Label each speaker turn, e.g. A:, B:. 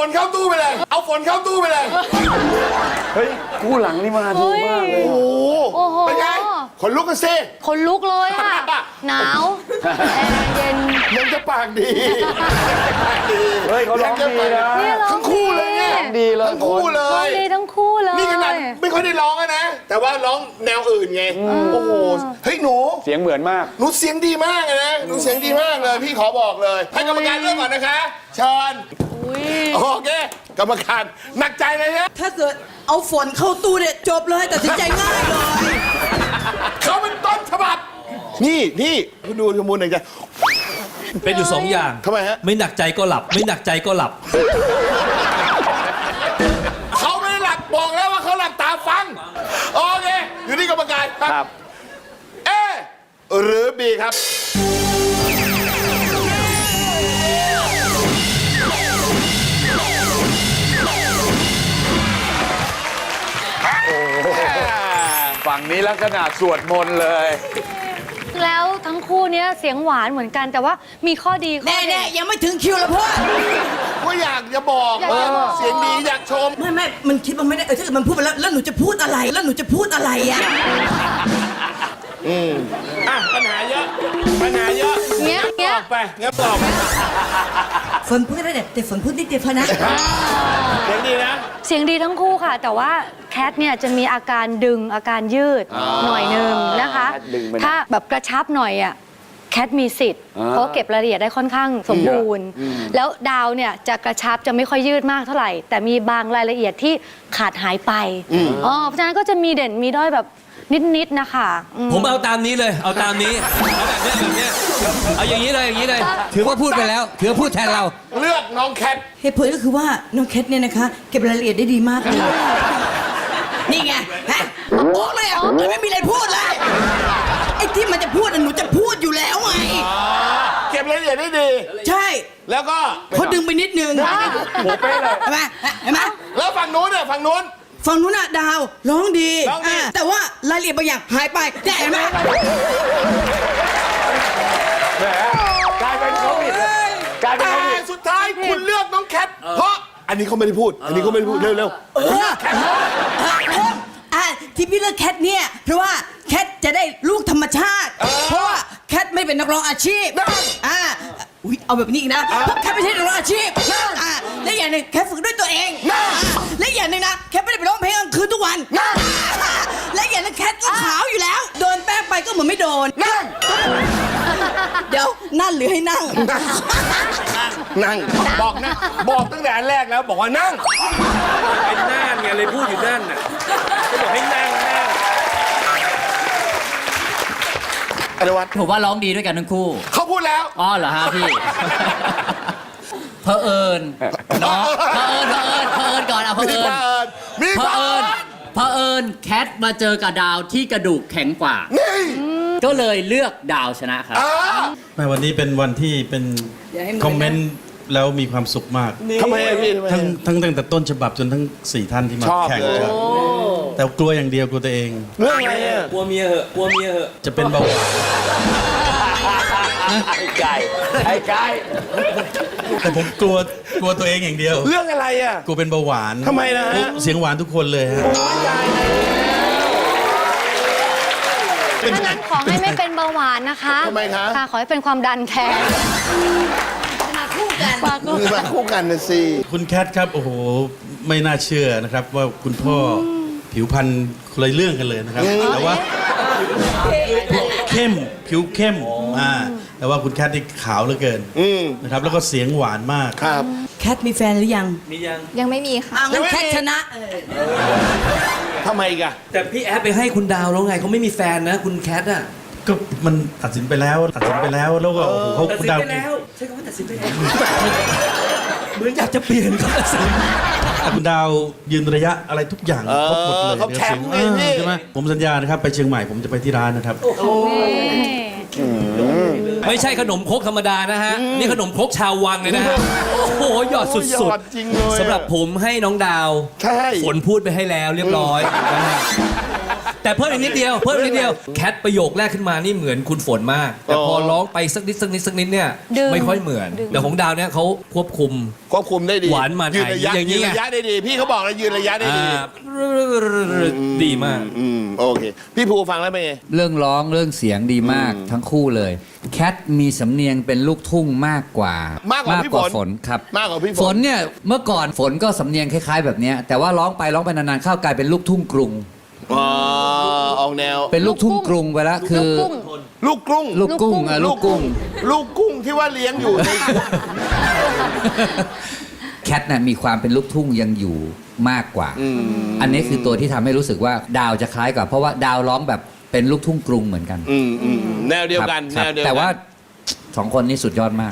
A: นเข้าตู้ไปเลย เอาฝนเข้าตู้ไปเลย
B: เฮ้ยคู่หลังนี่มาถูกมากเลย
A: โอ้โหเป็นไงขนลุกกันซิ
C: คนลุกเลยอ่ะ หนาวแอร์เย็น
A: ยังจะปากดีปากดี
B: เฮ้ยเขาร้องดีนะ
C: นี่ร้อง
A: ทั้งคู่เลยเนี่ย
B: ดีเลย
A: ทั้งคู่เล
C: ร้อง
A: ย
C: ดีทั้งคู่เลย
A: นี่ขนาดไม่ค่อยได้ร้องอะนะ แต่ว่าร้องแนวอื่นไง โอ้โห เฮ้ยหนู
B: เสียงเหมือนมาก
A: หนูเสียงดีมากเลยนะ หนูเสียงดีมากเลย พี่ขอบอกเลย ให้กรรมการเลือกก่อนนะคะ เชิญ
C: อุ๊ย
A: โอเค กรรมการหนักใจเลยนะ
D: ถ้าเกิดเอาฝนเข้าตู้เนี่ยจบเลยตัดสินใจง่ายเลย
A: เขาเป็นต้นฉบับ นี่คุณดูขมูลหนึ่งใจ
E: เป็นอยู่ 2 อย่าง
A: ทำไมฮะ
E: ไม่หนักใจก็หลับ ไม่หนักใจก็หลับ
A: เขาไม่ได้หลับบอกแล้วว่าเขาหลับตาฟัง โอเค อยู่ที่กรรมการค
B: ครั
A: รับ เอหรือบีครับ
B: ฝั่งนี้ลักษณะสวดมนต์เลย
C: แล้วทั้งคู่เนี้ยเสียงหวานเหมือนกันแต่ว่ามีข้อดีข้อ
D: แน่
C: เด่น
D: ๆยังไม่ถึงคิวแล้วพ่อ
A: ก็อยากจะบอก
C: อยากจะบอก
A: เสียงดีอยากชม
D: ไม่มันคิดว่าไม่ได้ถ้าเกิดมันพูดไปแล้วหนูจะพูดอะไรแล้วหนูจะพูดอะไรอ่ะ
A: อ่ะ ปัญหาเยอะ ปัญหาเยอะ
C: เงี้ย
A: ออกไปงั้นบอก
D: ฝนพูดได้แต่ฝนพูดนิดเดียวพอนะ
A: เสียงดีนะ
C: เสียงดีทั้งคู่ค่ะ แต่ว่าแคทเนี่ยจะมีอาการดึงอาการยืดหน่อยนึงนะคะ
B: แคทดึงไปนะ
C: ถ้าแบบกระชับหน่อยอ่ะแคทมีสิทธิ์
B: อ่า
C: เพราะเก็บรายละเอียดได้ค่อนข้างสมบูรณ์ แล้วดาวเนี่ยจะกระชับจะไม่ค่อยยืดมากเท่าไหร่ แต่มีบางรายละเอียดที่ขาดหายไปเพราะฉะนั้นก็จะมีเด่นมีด้อยแบบนิดๆนะคะอืม
E: ผมเอาตามนี้เลย เอาตามนี้ เอาแบบเนี้ยเอาอย่างนี้เลยอย่างนี้เลย ถือว่าพูดไปแล้ว ถือว่าพูดแทนเรา
A: เลือกน้องแคท
D: เหตุผลก็คือว่าน้องแคทเนี่ยนะคะ เก็บรายละเอียดได้ดีมากเลยนี่ไงฮะบอกเลยอ่ะไม่มีอะไรพูดเลยไอ้ที่มันจะพูดหนูจะพูดอยู่แล้วไง
A: เก็บรายละเอียดได้ดี
D: ใช่
A: แล้วก็
D: เขาดึงไปนิดนึง
B: หัวเป๊ะเลย
D: เห็นไหมเห็นไหม
A: แล้วฝั่งนู้นเนี่ยฝั่งนู้น
D: ฝั่งนู้นน่ะดาวร้องดี
A: ร้องดี
D: แต่ว่ารายละเอียดบางอย่างหายไปแต่เห็นไหม
B: แหมกลายเป็นเขาผิดกลายเป็น
A: แต่
B: เขาผิด
A: สุดท้ายคุณเลือกน้องแคท เพราะอันนี้เขาไม่ได้พูด อันนี้เขาไม่ได้พูด เร็ว
D: ที่พี่เลือกแคทเนี่ยเพราะว่าแคทจะได้ลูกธรรมชาติ เพราะว่าแคทไม่เป็นนักร้องอาชีพอุ๊ยเอาแบบนี้อีกนะเพราะแคทไม่ใช่นักร้องอาชีพและอย่างหนึ่งแคทฝึกด้วยตัวเองและอย่างหนึ่งนะแคทไม่ได้ไปร้องเพลงกลางคืนทุกวันและอย่างหนึงแคทก็ขาวอยู่แล้วโดนแป้งไปก็เหมือนไม่โดนเดี๋ยวนั่นหรือให้นั่ง
A: ๆ นั่ง บอกนะ บอกตั้งแต่อันแรกแล้วบอกว่านั่ง
E: เป็นน่านไงเลยพูดอยู่นั่นน่ะก็บอกให้นั่ง
A: อนุวัฒน์
F: ผมว่าร้องดีด้วยกันทั้งคู่
A: เขาพูดแล้ว
F: อ๋อเหรอฮะพี่ เพอเอิญเนาะเพอเอิญก่อนเอาเพอ
A: มี
F: เอิ
A: ค
F: ญ
A: วามมี
F: เพ
A: ค
F: อ
A: วาม
F: เอิญเพอเอิญแคทมาเจอกับดาวที่กระดูกแข็งกว่า
A: นี่
F: ก็เลยเลือกดาวชนะครับ
G: แม่วันนี้เป็นวันที่เป็นคอมเมนต์แล้วมีความสุขมาก
A: ทำไมอะพี่ทำไม
G: ทั้งตั้งแต่ต้นฉบับจนทั้ง 4 ท่านที่มา
A: ชอบ
G: แข่ง
A: เลย
G: กันแต่กลัวอย่างเดียวกลัวตัวเอง
A: เรื่องอะไรอ่ะ
E: กลัวเมียเหอะ กลัวเมียเหอะ
G: จะเป็นเบาหวาน
B: ไอ้ไก่ไอ้ไก่
G: แต่ผมกลัวตัวเองอย่างเดียว
A: เรื่องอะไรอ่ะ
G: กลัวเป็นเบาหวาน
A: ทำไมนะฮะ
G: เสียงหวานทุกคนเลยฮะ
C: ถ้างั้นขอให้ไม่เป็นเบาหวานนะคะ
A: ทำไมคะ
C: ค่ะขอให้เป็นความดันแทน
D: มาคู่กัน
C: มาคู่
A: มาคู่กันนะสิ
G: คุณแคทครับโอ้โหไม่น่าเชื่อนะครับว่าคุณพ่อผิวพรรณคนละเรื่องกันเลยนะครับแต่ว่าเข้มผิวเข้มแต่ว่าคุณแคทนี่ขาวเหลือเกินนะครับแล้วก็เสียงหวานมาก
A: ครับ
D: แคทมีแฟนหรือยัง
E: มียัง
C: ยังไม่มีค่ะ
D: งั้นแคทชนะ
A: ทำไมอีกอ่ะ
E: แต่พี่แอฟไปให้คุณดาวแล้วไงเขาไม่มีแฟนนะ คุณแคทอ่ะ
G: ก็มันตัดสินไปแล้วแล้วก็โอ้โหเขา
E: ตัด
G: คุณ
E: สิน
G: ดาว
E: ไปแล้ว ใช่คำว่าตัดสินไปแล้ว เหมือนอยากจะเปลี่ยนก็ตัดสิน
G: คุณดาวยืนระยะอะไรทุกอย่างครบหมดเลย
A: เขาแข็งไงพี่
G: ใช่ไหมผมสัญญานะครับไปเชียงใหม่ผมจะไปที่ร้านนะครับ
E: ไม่ใช่ขนมครกธรรมดานะฮะ นี่ขนมครกชาววังเลยนะฮะ โอ้โหหยอดสุ
A: หย
E: ด
A: อดจริงเลยอะ
E: ๆสำหรับผมให้น้องดาว
A: ใช่
E: ฝนพูดไปให้แล้วเรียบร้อยนะฮะแต่เพิ่มอีกนิดเดียวแคทประโยคแรกขึ้นมานี่เหมือนคุณฝนมาก แต่พอร้องไปสักนิดเนี่ย
C: ดึง
E: ไม่ค่อยเหมือน
C: ดึง
E: แต่ของดาวเนี่ยเขาควบคุม
A: ควบคุมได้ดี
E: หวานมัน
A: ยืนระยะ
E: อย่างนี้
A: ยืน
E: ไง
A: ระยะได้ดี พี่เขาบอกเลยยืนระยะได้ดี
E: ดีมาก
A: โอเค พี่ภูฟังแล้วเป็นไง
H: เรื่องร้องเรื่องเสียงดีมากทั้งคู่เลย แคทมีสำเนียงเป็นลูกทุ่งมากกว่าม
A: ากกว่าพี่ฝน
H: ครับ
A: มากกว่าพี่ฝน
H: ฝนเนี่ยเมื่อก่อนฝนก็สำเนียงคล้ายๆแบบเนี้ยแต่ว่าร้องไปนานๆเข้ากลายเป็นลูกทุ่งกรุง
A: อ๋อออกแนว
H: เป็นลูกทุ่งกรุงไปแล้วคือ
C: ลูกกุ้ง
A: ลูกกรุ้ง
H: ลูกกุ้ง
A: ลูกกุ้งที่ว่าเลี้ยงอยู่ใน
H: แคทน่ะมีความเป็นลูกทุ่งยังอยู่มากกว่า อันนี้คือตัวที่ทำให้รู้สึกว่าดาวจะคล้ายกว่าเพราะว่าดาวร้องแบบเป็นลูกทุ่งกรุงเหมือนกัน
A: แนวเดียวกัน
H: ครับ
A: แนวเดียวกัน
H: แต่ว่าสองคนนี้สุดยอดมาก